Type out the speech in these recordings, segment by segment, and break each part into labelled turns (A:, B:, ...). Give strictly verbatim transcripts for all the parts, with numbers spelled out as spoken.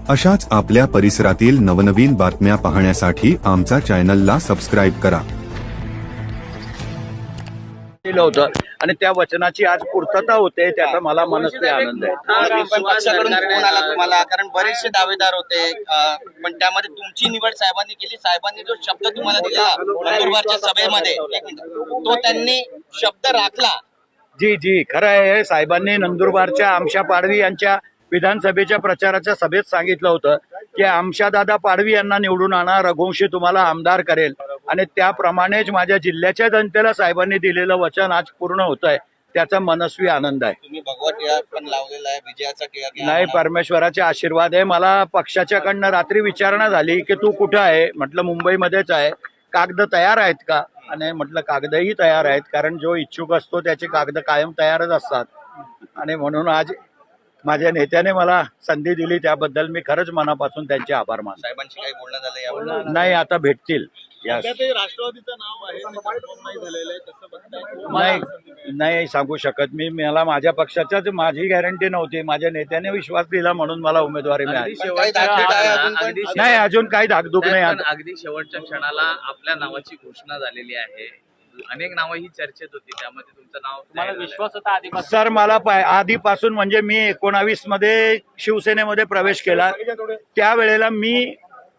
A: अशाच आपल्या परिसरातील नवनवीन बातम्या पाहण्यासाठी आमचा चॅनलला सबस्क्राईब करा।
B: केलं होतं आणि त्या वचनाची आज पूर्तता होते, त्याचा मला मनस्वी आनंद आहे।
C: पण पक्षाकडून फोन आला तुम्हाला, कारण बरेचसे दावेदार होते, पण त्यामध्ये तुमची निवड साहेबांनी केली। साहेबांनी जो शब्द तुम्हाला दिला नंदुरबारच्या सभेमध्ये, एक मिनिट, तो त्यांनी शब्द राखला।
B: जी जी खरं आहे, साहेबांनी नंदुरबारच्या आमशा पाडवी यांच्या विधानसभेच्या प्रचाराच्या सभेत सांगितलं होतं की आमशा दादा पाडवी यांना निवडून आणा, रघुवंशी तुम्हाला आमदार करेल, आणि त्याप्रमाणेच माझ्या जिल्ह्याच्या जनतेला साहेबांनी दिलेलं वचन आज पूर्ण होत आहे, त्याचा मनस्वी आनंद आहे।
C: तुम्ही भगवा टिळा पण लावलेला आहे, विजयाचा टिळा
B: नाही, परमेश्वराचे आशीर्वाद आहे। मला पक्षाच्याकडनं रात्री विचारणा झाली की तू कुठं आहे, म्हटलं मुंबईमध्येच आहे, कागद तयार आहेत का, आणि म्हटलं कागदही तयार आहेत, कारण जो इच्छुक असतो त्याचे कागद कायम तयारच असतात, आणि म्हणून आज माझ्या नेत्याने मला संधी दिली, त्याबद्दल मी खरंच मनापासून त्यांचे आभार मानतो।
C: साहेबांशी काही बोलणं झालं यावर?
B: नाही, आता भेटतील।
D: राष्ट्रवादीचं नाव आहे, नाही झालेलं आहे, कसं बघताय?
B: नाही नाही सांगू शकत मी, मला माझ्या पक्षाच्याच माझी गॅरंटी नव्हती, माझ्या नेत्याने विश्वास दिला म्हणून मला उमेदवारी मिळाली। नाही, अजून काही धाकधूक नाही।
E: अगदी शेवटच्या क्षणाला आपल्या नावाची घोषणा झालेली आहे, अनेक नावं ही चर्चेत होती, त्यामध्ये तुमचं नाव तुम्हाला विश्वास होता आधीपासून?
B: सर, मला आधीपासून म्हणजे मी एकोणावीस मध्ये शिवसेनेमध्ये प्रवेश केला, त्यावेळेला मी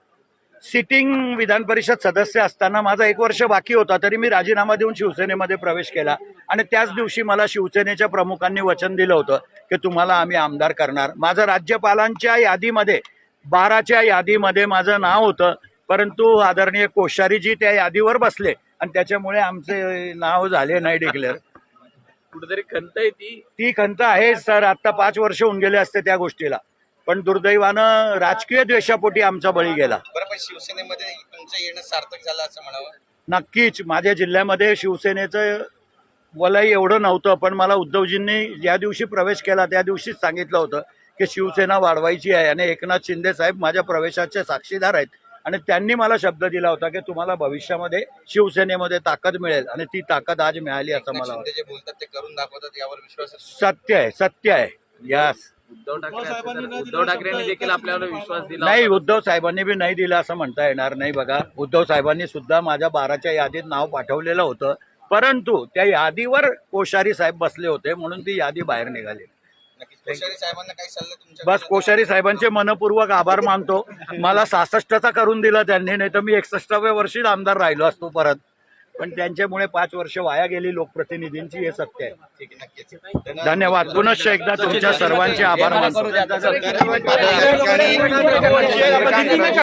B: सिटिंग विधान परिषद सदस्य असताना माझा एक वर्ष बाकी होता, तरी मी राजीनामा देऊन शिवसेनेमध्ये प्रवेश केला, आणि त्याच दिवशी मला शिवसेनेच्या प्रमुखांनी वचन दिलं होतं की तुम्हाला आम्ही आमदार करणार। माझं राज्यपालांच्या यादीमध्ये बाराच्या यादीमध्ये माझं नाव होतं, परंतु आदरणीय कोश्यारीजी त्या यादीवर बसले आणि त्याच्यामुळे आमचे नाव झाले नाही डिक्लेअर।
E: कुठेतरी खंत आहे ती
B: ती खंत आहे सर, आता पाच वर्ष होऊन गेले असते त्या गोष्टीला, पण दुर्दैवानं राजकीय द्वेषापोटी आमचा बळी गेला।
C: बरं, पण शिवसेनेमध्ये तुमचं येणं सार्थक झालं असं म्हणावं?
B: नक्कीच, माझ्या जिल्ह्यामध्ये शिवसेनेचं वलय एवढं नव्हतं, पण मला उद्धवजींनी ज्या दिवशी प्रवेश केला त्या दिवशीच सांगितलं होतं की शिवसेना वाढवायची आहे, आणि एकनाथ शिंदे साहेब माझ्या प्रवेशाचे साक्षीदार आहेत, आणि त्यांनी मला शब्द दिला होता की तुम्हाला भविष्यामध्ये शिवसेनेमध्ये ताकद मिळेल, आणि ती ताकद आज मिळाली असं मला वाटतं।
C: जे बोलतात ते करून दाखवतात, यावर विश्वास आहे?
B: सत्य आहे, सत्य आहे। यस,
E: उद्धव ठाकरे उद्धव ठाकरेंनी देखील आपल्यावर विश्वास दिला
B: नाही, उद्धव साहेबांनी बी नाही दिला असं म्हणता येणार नाही। बघा, उद्धव साहेबांनी सुद्धा माझ्या बाराच्या यादीत नाव पाठवलेलं होतं, परंतु त्या यादीवर कोश्यारी साहेब बसले होते म्हणून ती यादी बाहेर निघाली।
C: कोश्यारी साहेबांना काही सल्ला तुमच्या?
B: बस कोश्यारी साहेबांचे मनपूर्वक आभार मानतो, मला सहासष्टचा करून दिला त्यांनी, नाही तर मी एकसष्टाव्या वर्षीच आमदार राहिलो असतो परत, पण त्यांच्यामुळे पाच वर्ष वाया गेली लोकप्रतिनिधींची, हे सत्य आहे।
C: ठीक आहे, नक्कीच
B: धन्यवाद, पुनश्च एकदा तुमच्या सर्वांचे आभार मानतो।